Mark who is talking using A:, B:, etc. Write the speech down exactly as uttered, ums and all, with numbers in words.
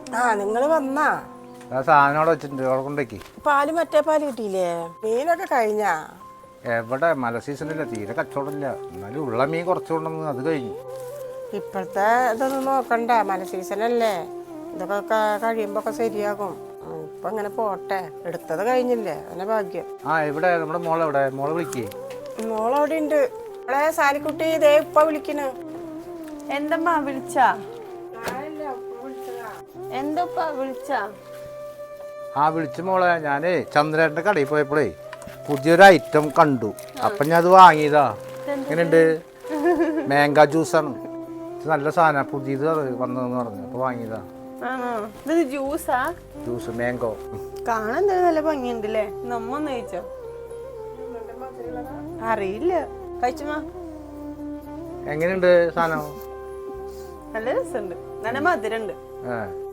A: ആ നിങ്ങള് വന്നാ
B: സാധനം അവിടെ വെച്ചിട്ടുണ്ട് അവിടെ കൊണ്ടേക്ക്.
A: പാല് മറ്റേ പാല് കിട്ടിയില്ലേ? മീനൊക്കെ കഴിഞ്ഞാ?
B: എവിടെ മല സീസണില്ല, തീരെ കച്ചവടമില്ല. എന്നാലും ഉള്ള മീൻ കുറച്ചുകൊണ്ടെന്ന് അത് കഴിഞ്ഞു.
A: ഇപ്പോഴത്തെ ഇതൊന്നും നോക്കണ്ട, മല സീസണല്ലേ, ഇതൊക്കെ കഴിയുമ്പോ ഒക്കെ ശരിയാകും. ഇപ്പൊ ഇങ്ങനെ പോട്ടെ, എടുത്തത് കഴിഞ്ഞില്ലേ, അങ്ങനെ ഭാഗ്യം.
B: ആ ഇവിടെ നമ്മുടെ മോളെവിടെ? മോളെ വിളിക്കേ.
A: മോളവിടെ ഉണ്ട്. അവളെ സാലിക്കുട്ടി ഇതേ ഇപ്പൊ വിളിക്കണ്.
C: എന്തമ്മാ വിളിച്ചാ? എന്തപ്പാ വിളിച്ചാ?
B: ആ വിളിച്ച മോളെ, ഞാനേ ചന്ദ്രേട്ടൻ്റെ കടയിൽ പോയപ്പോഴേ പുതിയൊരു ഐറ്റം കണ്ടു. അപ്പം ഞാൻ അത് വാങ്ങിയതാ. എങ്ങനെയുണ്ട്? മാംഗോ ജ്യൂസാണ്. നല്ല സാധനം, പുതിയത് വന്നതെന്ന് പറഞ്ഞു, അപ്പോൾ വാങ്ങിയതാ.
C: ആണോ? ഇത് ജ്യൂസാ?
B: Juice mango.
C: കാണാൻ എന്തായാലും നല്ല ഭംഗിയുണ്ടല്ലേ. നമ്മ ഒന്ന് കഴിച്ചോ? അറിയില്ല, കഴിച്ചുമാ.
B: എങ്ങനെയുണ്ട് സാധനം?
C: നല്ല രസമുണ്ട്, നല്ല മധുരണ്ട്.
B: ഏ